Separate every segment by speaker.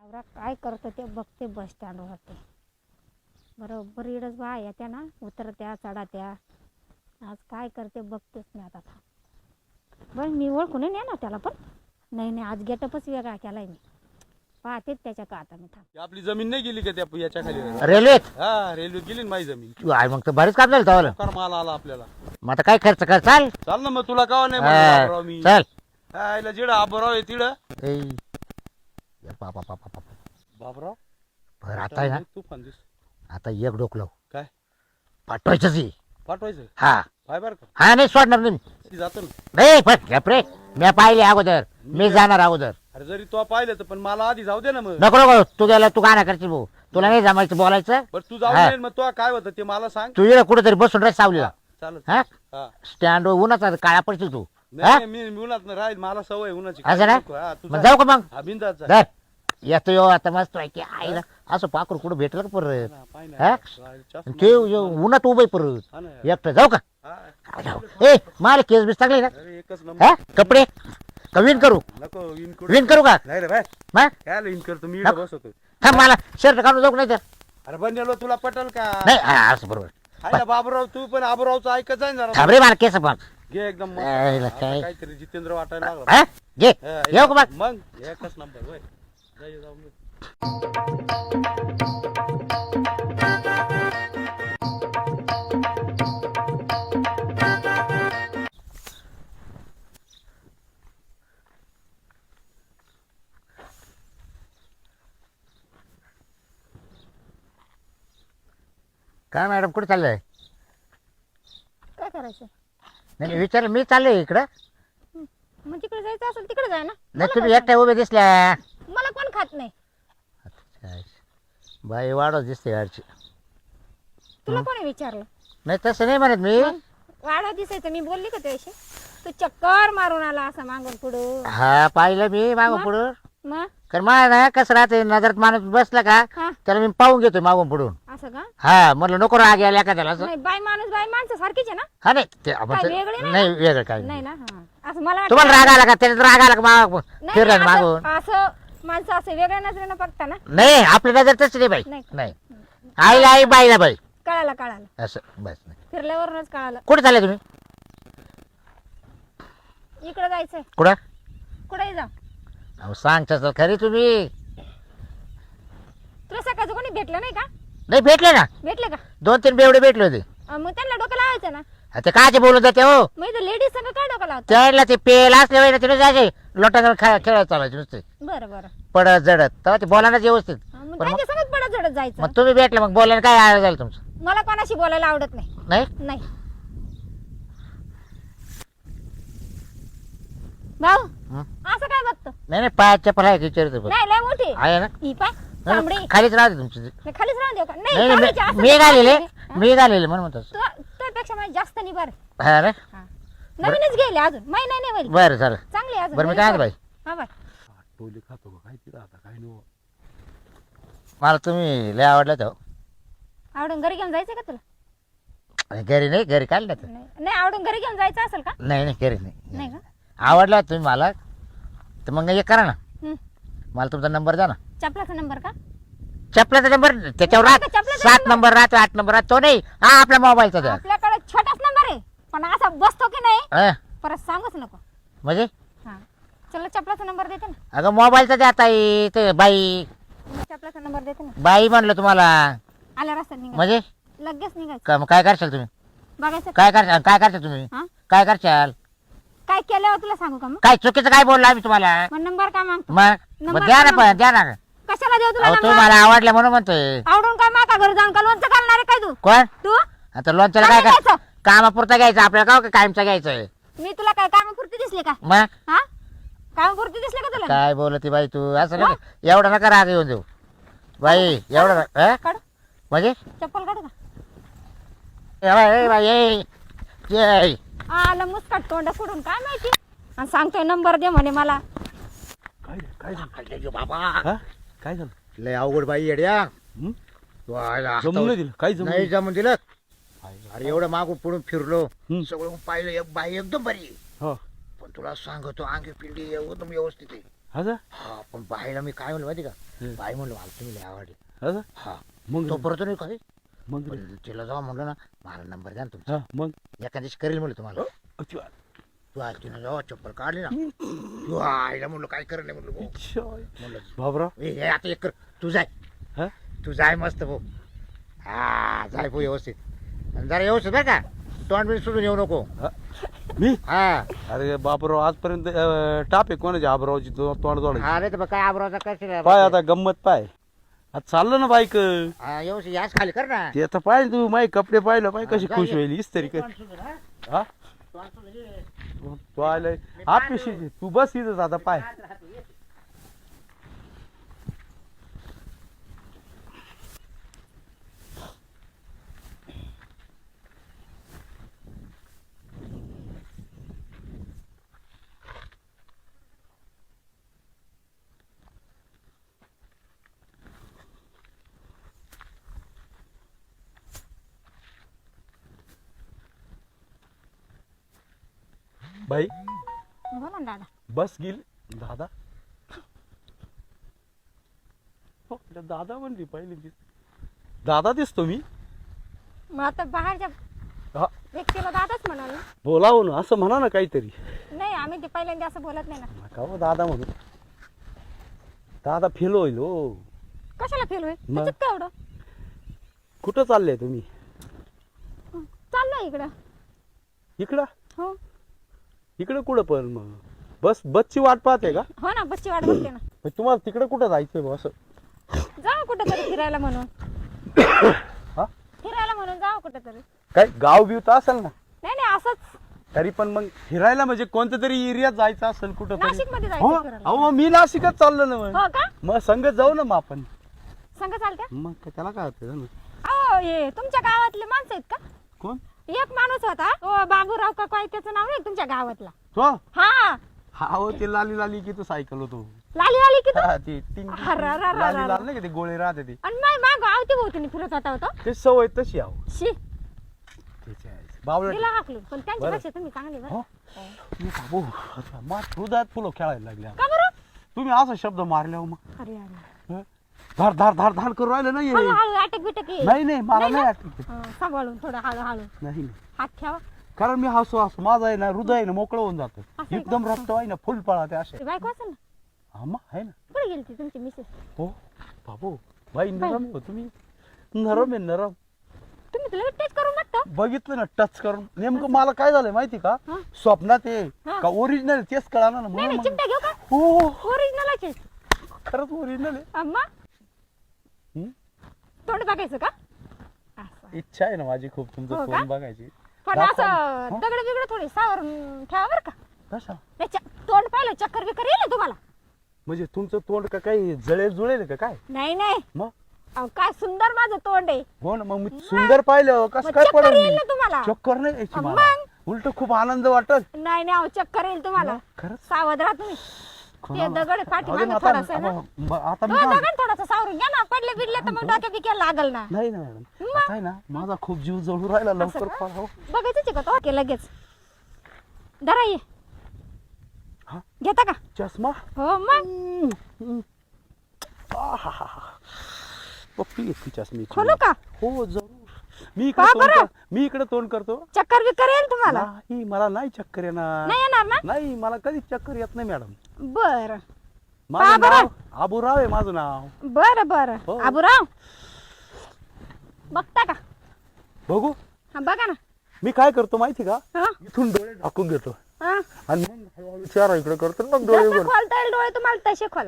Speaker 1: नवरा काय करतो ते बघते बस स्टँडवरती. बरोबर इडच बा येत्या ना, उतरत्या चढात्या. आज काय करते बघतेच मी आता. बरं मी ओळखून नाही ना त्याला, पण नाही आज गेटअपच वेगळा केलाय मी. पाहतेच त्याच्या का आता मी थांब.
Speaker 2: आपली जमीन नाही गेली का त्या याच्या खाली?
Speaker 3: रेल्वेत
Speaker 2: हा रेल्वे गेली ना माझी जमीन.
Speaker 3: आहे मग तर बरेच काम झालं तवाला.
Speaker 2: कर माल आला आपल्याला.
Speaker 3: मग आता काय खर्च कर चाल
Speaker 2: चाल ना मग, तुला कावा नाही म्हणलं मी.
Speaker 3: चल
Speaker 2: आयला जिडं आबराव आहे तिडं.
Speaker 3: ए, बाबा बाबा बाबा
Speaker 2: बाबराव
Speaker 3: बरं आता आहे ना,
Speaker 2: तुफान दिस.
Speaker 3: आता एक डोकलं
Speaker 2: काय
Speaker 3: पाठवायचंच आहे.
Speaker 2: पाठवायचं
Speaker 3: हा
Speaker 2: पाय बर का?
Speaker 3: हा नाही सोडणार नाही
Speaker 2: ती जातो ना.
Speaker 3: नाही पण घ्यापरे मी पाहिले अगोदर, मी जाणार अगोदर.
Speaker 2: अरे जरी तो पाहिलं तर पण मला आधी जाऊ दे ना मग.
Speaker 3: नको नको तू गेला तू गाणं करशील भाऊ, तुला नाही जमायचं बोलायचं.
Speaker 2: बरं तू जाऊ
Speaker 3: हा.
Speaker 2: दे मग, तो काय होतं ते मला सांग.
Speaker 3: तू ये कुठेतरी बसून राह सावलीला.
Speaker 2: चालत
Speaker 3: हा
Speaker 2: हा.
Speaker 3: स्टँड उन्हाचा काळा पडशील तू.
Speaker 2: नाही मी उन्हात राहील, मला सवय उन्हाची.
Speaker 3: असं ना?
Speaker 2: हा, तू
Speaker 3: मग
Speaker 2: जा.
Speaker 3: जाऊ का मग?
Speaker 2: हा, बिनधास्त जा.
Speaker 3: धर येतो यो आता मस्त आहे की आईला असं पाखरू कुठं भेटलं का परत?
Speaker 2: हा, पाय ना.
Speaker 3: हा?
Speaker 2: चष्मा.
Speaker 3: ते उन्हात उभं आहे परत
Speaker 2: हा ना.
Speaker 3: एकटं जाऊ का?
Speaker 2: हा.
Speaker 3: जाऊ. ए मला केस बीस चांगले ना?
Speaker 2: अरे एकच नंबर.
Speaker 3: हा कपडे का विन करू?
Speaker 2: नको
Speaker 3: विन करू का?
Speaker 2: नाही रे भाई,
Speaker 3: मग
Speaker 2: काय विन करतो मी इकडे बसवतो.
Speaker 3: थांब मला शर्ट काढून जाऊ नाही तर.
Speaker 2: अरे बंडेलो तुला पटल का?
Speaker 3: नाही असं बरोबर.
Speaker 2: हाय ना बाबूराव, तू पण आबूरावचं ऐकत जाय ना जरा.
Speaker 3: थांब रे मला केस पण.
Speaker 2: घे एकदम मस्त.
Speaker 3: आईला
Speaker 2: आता
Speaker 3: काय?
Speaker 2: काहीतरी जितेंद्र वाटायला लागला.
Speaker 3: हा घे
Speaker 2: हा,
Speaker 3: येऊ का मग?
Speaker 2: मग एकच नंबर होय. जाऊ मग.
Speaker 3: काय मॅडम कुठे चाललंय?
Speaker 1: काय करायचं?
Speaker 3: नाही विचार मी चाललोय इकडं.
Speaker 1: मग तिकडे जायचं असेल तिकडे जाय ना.
Speaker 3: नाही तुम्ही एकट्या उभे दिसल्या.
Speaker 1: मला कोण खात नाही.
Speaker 3: बाई वाढव दिसते गाडची.
Speaker 1: तुला कोणी विचारलं?
Speaker 3: नाही तसं नाही म्हणत मी.
Speaker 1: मग वाढा दिसायचं मी बोलली का त्याशी? तू चक्कर मारून आला असं मागून पुढं.
Speaker 3: हा पाहिलं मी मागून पुढून.
Speaker 1: मग
Speaker 3: कारण मला ना कसं राहते नजरात माणूस बसला का
Speaker 1: हा
Speaker 3: त्याला मी पाहून घेतोय मागून पुढून.
Speaker 1: असं का?
Speaker 3: हा म्हटलं नको राग यायला एखाद्याला असं.
Speaker 1: नाही बाई माणूस बाई माणसं सारखीच आहे ना?
Speaker 3: हा नाही ते आपण
Speaker 1: काय वेगळे नाही
Speaker 3: नाही वेगळं काय
Speaker 1: नाही
Speaker 3: नाही.
Speaker 1: ना. हा असं मला
Speaker 3: तुम्हाला राग आला का त्याच्यात राग आला का माग
Speaker 1: नाही,
Speaker 3: फिरला
Speaker 1: नाही,
Speaker 3: मागून?
Speaker 1: असं माणसं असं वेगळ्या नजरेनं बघता ना.
Speaker 3: नाही आपली नजर तशी नाही बाई.
Speaker 1: नाही.
Speaker 3: नाही आईला आई बाईला बाई
Speaker 1: कळालं
Speaker 3: असं बस नाही.
Speaker 1: फिरल्यावरूनच कळालं.
Speaker 3: कुठे चालले तुम्ही?
Speaker 1: इकडे जायचंय.
Speaker 3: कुठं?
Speaker 1: कुठेही जा.
Speaker 3: अहो सांगता तर खरी तुम्ही.
Speaker 1: तुला सकाळचं कोणी भेटलं नाही का?
Speaker 3: नाही भेटले ना
Speaker 1: भेटले का?
Speaker 3: 2-3 बेवडे भेटले होते.
Speaker 1: मग त्यांना डोकं लावायचं ना.
Speaker 3: ते काचे बोलत जाते हो.
Speaker 1: मग इथं लेडीज सगळं काय डोकं लावतं?
Speaker 3: त्याला ते पेल असल्या वेळेला तिथे जायचे लोटांवर खेळत चालायचे नुसते
Speaker 1: बरं
Speaker 3: पडत जडत तेव्हा ते बोलायलाच व्यवस्थित.
Speaker 1: मग
Speaker 3: पण
Speaker 1: त्यांच्या सगळं पडत झडत जायचं.
Speaker 3: मग तुम्ही भेटले मग बोलायला काय आळ झालं तुमचं?
Speaker 1: मला कोणाशी बोलायला आवडत नाही.
Speaker 3: नाही
Speaker 1: नाही भाऊ
Speaker 3: हं?
Speaker 1: असं काय बघतो?
Speaker 3: नाही पाय चप्पल आहे की विचारतो पण.
Speaker 1: नाही लय मोठी
Speaker 3: आहे ना?
Speaker 1: ही पाय तांबडी.
Speaker 3: खालीच राहते तुमची.
Speaker 1: मी खालीच राहून देऊ का?
Speaker 3: नाही
Speaker 1: नाही
Speaker 3: नाही,
Speaker 1: तांबडीची असं
Speaker 3: मी घालेले
Speaker 1: हा?
Speaker 3: मी घालेले म्हणून म्हणतो.
Speaker 1: तुझ्यापेक्षा माझी जास्त निभार.
Speaker 3: हा रे
Speaker 1: नवीनच गेले अजून महिना नाही वरी.
Speaker 3: बरं झालं.
Speaker 1: चांगली अजून.
Speaker 3: बरं मी काय म्हणतो बाई,
Speaker 1: हा बाय.
Speaker 2: टोले खातो का काय तिला आता काय नको.
Speaker 3: मला तुम्ही लय आवडलं तो.
Speaker 1: आवडून घरी घेऊन जायचं का तुला?
Speaker 3: घरी नाही घरी काढलं तर.
Speaker 1: नाही आवडून घरी घेऊन जायचं असेल का?
Speaker 3: नाही घरी
Speaker 1: नाही
Speaker 3: नाही.
Speaker 1: का?
Speaker 3: आवडला तुम्ही मला तर मग एक करा ना,
Speaker 1: हं.
Speaker 3: मला तुमचा नंबर द्या ना.
Speaker 1: चपलाचा नंबर का?
Speaker 3: चपलाचा नंबर त्याच्यावर
Speaker 1: नाही का, चपलाचा
Speaker 3: 7 नंबर राहतो 8 नंबर राहतो. तो नाही हा आपल्या मोबाईलचा द्या.
Speaker 1: आपल्याकडे छोटाच नंबर आहे पण असा बसतो की नाही
Speaker 3: हा,
Speaker 1: परत सांगूच नको.
Speaker 3: म्हणजे
Speaker 1: हा चला चपलाचा नंबर देते ना.
Speaker 3: अगं मोबाईलचा द्या ताई. ते बाई
Speaker 1: मी चपलाचा नंबर देते ना.
Speaker 3: बाई म्हणलं तुम्हाला
Speaker 1: आल्या रस्त्यात निघा.
Speaker 3: म्हणजे
Speaker 1: लगेच निघायचं.
Speaker 3: मग काय करशाल तुम्ही?
Speaker 1: बघायचं
Speaker 3: काय करशाल तुम्ही?
Speaker 1: हा
Speaker 3: काय करशाल?
Speaker 1: काय केल्यावर तुला सांगू का? मग
Speaker 3: काय चुकीचं काय बोललो आम्ही तुम्हाला?
Speaker 1: मग नंबर काय मागतो?
Speaker 3: मग
Speaker 1: नंबर
Speaker 3: द्या ना
Speaker 1: काय
Speaker 3: पण द्या ना.
Speaker 1: कशाला देऊ तुला
Speaker 3: अहो
Speaker 1: नंबर?
Speaker 3: तुम्ही मला आवडलं म्हणून म्हणतोय.
Speaker 1: आवडून काय माका घरी जाऊन का लोणचं घालणार आहे काय तू?
Speaker 3: कोण?
Speaker 1: तू
Speaker 3: आता लोणच्याला काय
Speaker 1: काय
Speaker 3: कर
Speaker 1: घ्यायचं?
Speaker 3: कामापुरता घ्यायचं आपल्याला का कायमचा घ्यायचंय?
Speaker 1: मी तुला काय कामापुरती दिसली का?
Speaker 3: मग
Speaker 1: हा कामापुरती दिसली का तुला?
Speaker 3: काय बोलती बाई तू असं नका एवढा नका राग येऊन देऊ बाई. एवढा
Speaker 1: काढ
Speaker 3: म्हणजे
Speaker 1: चप्पल काढू का?
Speaker 3: ए बाई ए
Speaker 1: आलं मुस्काट तोंड फोडून काय माहिती आणि सांगतोय नंबर दे म्हणे मला.
Speaker 2: काय रे, काय झालं?
Speaker 3: बाबा
Speaker 2: हा? काय झालं?
Speaker 3: लय अवघड बाई येड्या.
Speaker 2: हं?
Speaker 3: जमून
Speaker 2: नाही दिलं काय
Speaker 3: नाही जमून दिलं.
Speaker 2: काय?
Speaker 3: अरे एवढं मागून पुढून फिरलो
Speaker 2: हं.
Speaker 3: सगळं पाहिलं एक बाई एकदम बरी
Speaker 2: हो
Speaker 3: पण तुला सांगतो अंगी पिंडी एकदम व्यवस्थित आहे.
Speaker 2: असं
Speaker 3: हा पण बाईला मी काय म्हणलं माहिती का
Speaker 2: हं.
Speaker 3: बाई म्हणलं मला तुम्ही लय आवडले
Speaker 2: असं
Speaker 3: हा
Speaker 2: मग
Speaker 3: तो परत नाही काही
Speaker 2: मग
Speaker 3: पण तिला जाऊ म्हणलं ना मला नंबर द्या ना तुमचा
Speaker 2: हा मग
Speaker 3: एका दिवशी करेल म्हणलं तुम्हाला
Speaker 2: अच्छा.
Speaker 3: तू आज तिनं जेव्हा चप्पल काढली ना तू आईला म्हणलं काय करत नाही म्हणलं भाऊ.
Speaker 2: अच्छा.
Speaker 3: म्हणलं
Speaker 2: बाबराव
Speaker 3: ए, हे आता एक कर तू जाय
Speaker 2: हा
Speaker 3: तू जाय मस्त भाऊ हा जाय भाऊ व्यवस्थित आणि जरा व्यवस्थित बरं का तोंड बिन सुधून येऊ नको
Speaker 2: हा. मी
Speaker 3: हा
Speaker 2: अरे बापराव आजपर्यंत टाप आहे कोणाची आबरावची तोंड जोडायची
Speaker 3: हा नाही तर मग काय आबरावचा कशी
Speaker 2: पाय आता गंमत पाय आता चाललं ना बाईक
Speaker 3: हा व्यवस्थित याच खाली कर ना
Speaker 2: ते आता पाहिजे तू माझे कपडे पाहिलं पाय कशी
Speaker 3: जा
Speaker 2: खुश
Speaker 3: ये.
Speaker 2: होईल इस्त्री कर
Speaker 3: तोंड सुधून, हा?
Speaker 2: हा
Speaker 3: तोंड सुधून ये.
Speaker 2: तू आलाय आपली तू बस इथंच आता पाय बाई
Speaker 1: बोला ना दादा.
Speaker 2: बस गेली दादा हो, दादा म्हणली पहिली दादा दिसतो मी
Speaker 1: मग आता बाहेरच्या
Speaker 2: हा
Speaker 1: व्यक्तीला दादाच म्हणाल ना.
Speaker 2: बोलाव ना असं म्हणा ना काहीतरी
Speaker 1: नाही आम्ही ते पहिल्यांदा असं बोलत नाही ना.
Speaker 2: नका हो दादा म्हणून दादा फेल होईल हो
Speaker 1: कशाला फेल होईल
Speaker 2: मग?
Speaker 1: त्याच्यात काय एवढं
Speaker 2: कुठं चालले तुम्ही
Speaker 1: चाललोय इकडं.
Speaker 2: इकडं
Speaker 1: हो
Speaker 2: इकडं कुठं पण मग बसची वाट पाहते का
Speaker 1: हो ना बसची वाट बघते ना.
Speaker 2: मग तुम्हाला तिकडं कुठं जायचंय बा असं
Speaker 1: जाऊ कुठं तरी फिरायला म्हणून.
Speaker 2: हा
Speaker 1: फिरायला म्हणून जाऊ कुठं तरी.
Speaker 2: काय गाव बिव तर असेल ना
Speaker 1: नाही नाही असंच
Speaker 2: तरी पण मग फिरायला म्हणजे कोणत्या तरी एरियात जायचं असेल कुठं तरी
Speaker 1: नाशिक मध्ये
Speaker 2: हो
Speaker 1: जायचं फिरायला.
Speaker 2: अहो मी नाशिकच चाललो ना मग
Speaker 1: हो का
Speaker 2: मग संगत जाऊ ना मग आपण
Speaker 1: सांग चालत्या.
Speaker 2: मग त्याला काय होतं ना
Speaker 1: अहो हे तुमच्या गावातले माणसं आहेत का.
Speaker 2: कोण
Speaker 1: एक माणूस होता ओ बाबूराव का काय त्याचं नाव नाही तुमच्या गावातला.
Speaker 2: तो
Speaker 1: हा
Speaker 2: हा हो ते लाली लाली की तो सायकल होतो
Speaker 1: लाली लाली की
Speaker 2: हा, ती टिंग टिंग
Speaker 1: अरे, अरे, अरे,
Speaker 2: लाली
Speaker 1: अरे.
Speaker 2: लाल नाही का ते गोळे राहते ते
Speaker 1: आणि माय माग आवती भोवतीने फिरत होता होता.
Speaker 2: ते सवय तशी आहो
Speaker 1: शी
Speaker 2: त्याची आहे. बावळट
Speaker 1: दिला हाकलून पण
Speaker 2: बरं.
Speaker 1: त्यांच्यापेक्षा तुम्ही चांगली बरं.
Speaker 2: हो मी बाबू अच्छा, मा हृदयात फुलं खेळायला लागल्या
Speaker 1: का बरं.
Speaker 2: तुम्ही असा शब्द मारले हो मग
Speaker 1: अरे अरे
Speaker 2: हं? धार धार धार धार करू राहिलं नाही
Speaker 1: हळूहळू अटक बिटक ये.
Speaker 2: नाही नाही मला
Speaker 1: नाही
Speaker 2: नाही
Speaker 1: ना?
Speaker 2: आठवत
Speaker 1: सांभाळून थोडं हळूहळू
Speaker 2: नाही नाही.
Speaker 1: हात ठेवा.
Speaker 2: कारण मी हसू हसू माझं आहे ना हृदय आहे ना मोकळं होऊन जातं
Speaker 1: आहे का?
Speaker 2: एकदम रक्त आहे ना फुल पळा ते असे
Speaker 1: ते बायको असेल ना.
Speaker 2: हा मग आहे ना
Speaker 1: कुठे गेली ती तुमची मिसेस.
Speaker 2: हो बाबू बाई नरम आहे हो तुम्ही नरम आहे नरम
Speaker 1: तुम्ही तुला टच करून बघता.
Speaker 2: बघितलं ना टच करून नेमकं मला काय झालंय माहिती का
Speaker 1: हा?
Speaker 2: स्वप्नात आहे
Speaker 1: हा.
Speaker 2: का ओरिजिनल तेच कळा ना
Speaker 1: नाही
Speaker 2: म्हणून
Speaker 1: नाही
Speaker 2: मग-
Speaker 1: चिमटा घेऊ का
Speaker 2: हो
Speaker 1: ओरिजिनलच आहे.
Speaker 2: खरंच ओरिजिनल आहे
Speaker 1: अम्मा
Speaker 2: हं?
Speaker 1: तोंड बघायचं का असं.
Speaker 2: इच्छा आहे ना माझी खूप तुमचं
Speaker 1: हो का?
Speaker 2: तोंड बघायची
Speaker 1: पण
Speaker 2: दाखवा.
Speaker 1: असं
Speaker 2: हो?
Speaker 1: दगड बिगड थोडी सावर ठेवा बरं का.
Speaker 2: कशा
Speaker 1: नाही, तोंड पाहिलं चक्कर बिक्कर येईल ना तुम्हाला.
Speaker 2: म्हणजे तुमचं तोंड का काही जळेल जुळेल का काय
Speaker 1: नाही नाही
Speaker 2: मग
Speaker 1: अहो, काय सुंदर माझं तोंड आहे.
Speaker 2: हो ना मग मी सुंदर पाहिलं कसं
Speaker 1: मग
Speaker 2: काय
Speaker 1: चक्कर
Speaker 2: पडेल
Speaker 1: येईल
Speaker 2: मी?
Speaker 1: ना तुम्हाला.
Speaker 2: चक्कर नाही यायची
Speaker 1: मग?
Speaker 2: मला उलट खूप आनंद वाटत
Speaker 1: नाही नाही अहो, चक्कर येईल तुम्हाला.
Speaker 2: खरंच
Speaker 1: सावध राहा तुम्ही. ते
Speaker 2: कोणाला?
Speaker 1: दगड पाठी
Speaker 2: अरे
Speaker 1: मागं
Speaker 2: आता-
Speaker 1: थोडासा आहे ना.
Speaker 2: आता मी
Speaker 1: तो
Speaker 2: काय-
Speaker 1: दगड थोडासा सावरून घ्या ना. पडले बिडले तर मग डोक्या बिक्या लागल ना.
Speaker 2: नाही ना मॅडम
Speaker 1: मग?
Speaker 2: आता आहे ना माझा खूप जीव जळू राहिला लवकर
Speaker 1: का?
Speaker 2: पळा हो.
Speaker 1: बघायचंच आहे का तो ओके लगेच धरा ये
Speaker 2: हा?
Speaker 1: घेता का.
Speaker 2: चष्मा
Speaker 1: हो मग
Speaker 2: पप्पी घेतली चष्मी
Speaker 1: खोलू का.
Speaker 2: हो जरूर मी
Speaker 1: का
Speaker 2: इकडे
Speaker 1: बरं?
Speaker 2: मी इकडे तोंड करतो
Speaker 1: चक्कर बिक्कर येईल तुम्हाला.
Speaker 2: नाही मला नाही चक्कर येणार
Speaker 1: नाही येणार ना.
Speaker 2: नाही मला कधीच चक्कर येत नाही मॅडम
Speaker 1: बर
Speaker 2: माझं
Speaker 1: बरं?
Speaker 2: नाव आबूराव आहे माझं नाव
Speaker 1: बर बर
Speaker 2: हो.
Speaker 1: आबूराव बघता का.
Speaker 2: बघू
Speaker 1: हा बघा ना.
Speaker 2: मी काय करतो माहिती का
Speaker 1: हा
Speaker 2: इथून डोळे झाकून घेतो
Speaker 1: हा
Speaker 2: आणि मग हळूहळू चेहरा इकडे करतो आणि मग डोळे
Speaker 1: जसं
Speaker 2: उघडतो.
Speaker 1: खोलता येईल डोळे तुम्हाला तसे खोला.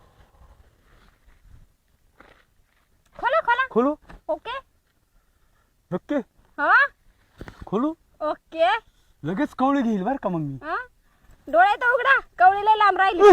Speaker 1: खोला खोला.
Speaker 2: खोलू
Speaker 1: ओके
Speaker 2: नक्की
Speaker 1: हा
Speaker 2: खोलू
Speaker 1: ओके
Speaker 2: लगेच कवळी घेईल बरं का मग मी
Speaker 1: हा डोळे तर उघडा. कवळीला लांब राहिली.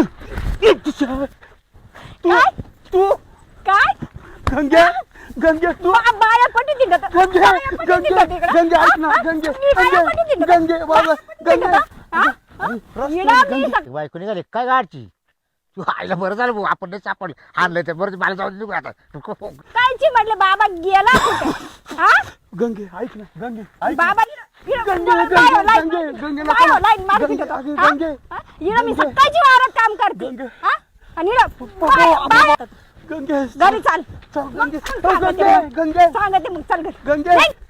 Speaker 2: तू
Speaker 1: काय?
Speaker 2: तू
Speaker 1: काय
Speaker 2: गंग्या गंग्या तू
Speaker 1: बाया पटी दिंडत.
Speaker 2: गंगे
Speaker 1: बाया पटी
Speaker 2: गंगे
Speaker 1: दिंडत इकडं.
Speaker 2: गंगे ऐक ना
Speaker 1: हा?
Speaker 2: गंगे
Speaker 1: तुम्ही बाया पटी
Speaker 2: गंगे
Speaker 1: दिंडत.
Speaker 2: गंगे माझा गंगे
Speaker 1: हा? हा? येडा मी सग-
Speaker 3: बायको निघाली काय गाडची तू आईला बरं झालं भाऊ आपण नाही सापडलं आणलं ते बरं मला जाऊन निघू आता
Speaker 1: कायची म्हटलं बाबा गेला कुठे. हा
Speaker 2: गंगे ऐक ना गंगे ऐक ना.
Speaker 1: बाबा लाईन मार
Speaker 2: गंगे,
Speaker 1: पिटतो.
Speaker 2: अगं,
Speaker 1: हा?
Speaker 2: गंगे.
Speaker 1: हा? इकडं मी सकाळची वावरात काम करते
Speaker 2: गंगे.
Speaker 1: हा? आणि इकडं बाहेर-
Speaker 2: गंगे
Speaker 1: घरी चाल
Speaker 2: चल,
Speaker 1: मग
Speaker 2: गंगे.
Speaker 1: सांगते
Speaker 2: गंगे,
Speaker 1: मग.
Speaker 2: गंगे.
Speaker 1: सांगते मग चल घरी
Speaker 2: गंगे.
Speaker 1: नाही.